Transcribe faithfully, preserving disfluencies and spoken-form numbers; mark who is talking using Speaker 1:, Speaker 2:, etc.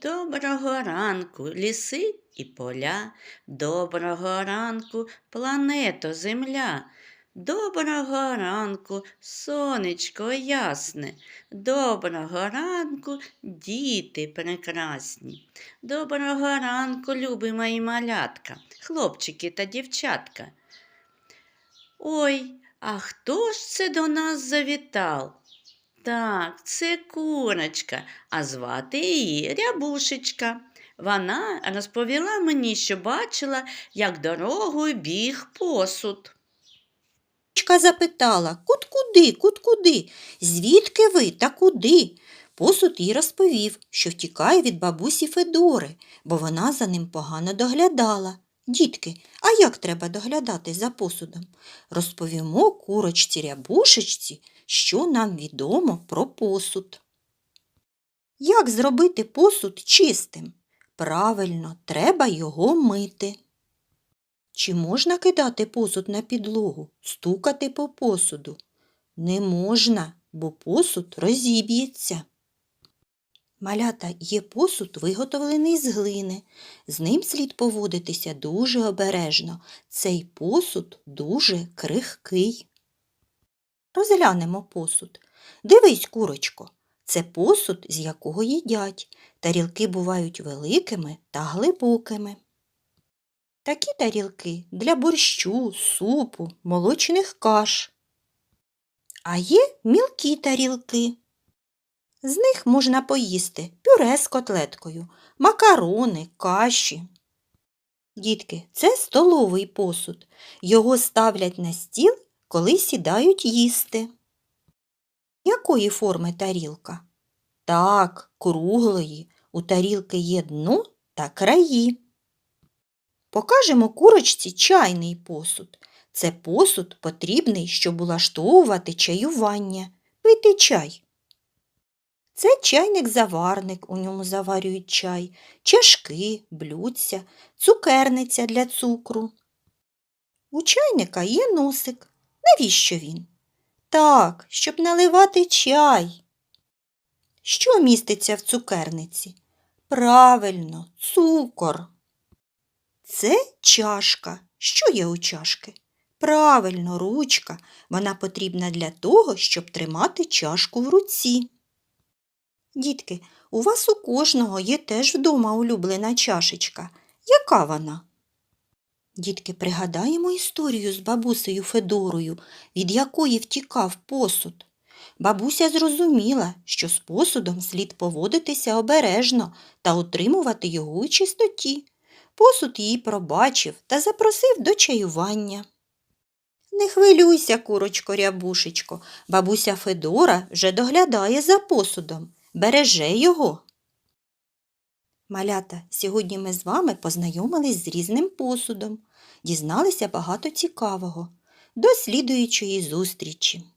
Speaker 1: Доброго ранку, ліси і поля, доброго ранку, плането Земля. Доброго ранку, сонечко ясне, доброго ранку, діти прекрасні. Доброго ранку, любі мої малятка, хлопчики та дівчатка. Ой, а хто ж це до нас завітав? Так, це курочка, а звати її Рябушечка. Вона розповіла мені, що бачила, як дорогою біг посуд.
Speaker 2: Курочка запитала: «Кут-куди, кут-куди? Звідки ви та куди?» Посуд їй розповів, що втікає від бабусі Федори, бо вона за ним погано доглядала. Дітки, а як треба доглядати за посудом? Розповімо курочці Рябушечці, що нам відомо про посуд. Як зробити посуд чистим? Правильно, треба його мити. Чи можна кидати посуд на підлогу, стукати по посуду? Не можна, бо посуд розіб'ється. Малята, є посуд, виготовлений з глини. З ним слід поводитися дуже обережно. Цей посуд дуже крихкий. Розглянемо посуд. Дивись, курочко, це посуд, з якого їдять. Тарілки бувають великими та глибокими. Такі тарілки для борщу, супу, молочних каш. А є мілкі тарілки. З них можна поїсти пюре з котлеткою, макарони, каші. Дітки, це столовий посуд. Його ставлять на стіл, коли сідають їсти. Якої форми тарілка? Так, круглої. У тарілки є дно та краї. Покажемо курочці чайний посуд. Це посуд потрібний, щоб улаштовувати чаювання, пити чай. Це чайник-заварник, у ньому заварюють чай, чашки, блюдця, цукерниця для цукру. У чайника є носик. Навіщо він? Так, щоб наливати чай. Що міститься в цукерниці? Правильно, цукор. Це чашка. Що є у чашки? Правильно, ручка. Вона потрібна для того, щоб тримати чашку в руці. Дітки, у вас у кожного є теж вдома улюблена чашечка. Яка вона? Дітки, пригадаємо історію з бабусею Федорою, від якої втікав посуд. Бабуся зрозуміла, що з посудом слід поводитися обережно та утримувати його у чистоті. Посуд її пробачив та запросив до чаювання. Не хвилюйся, курочко Рябушечко, бабуся Федора вже доглядає за посудом, береже його. Малята, сьогодні ми з вами познайомились з різним посудом, дізналися багато цікавого. До слідуючої зустрічі!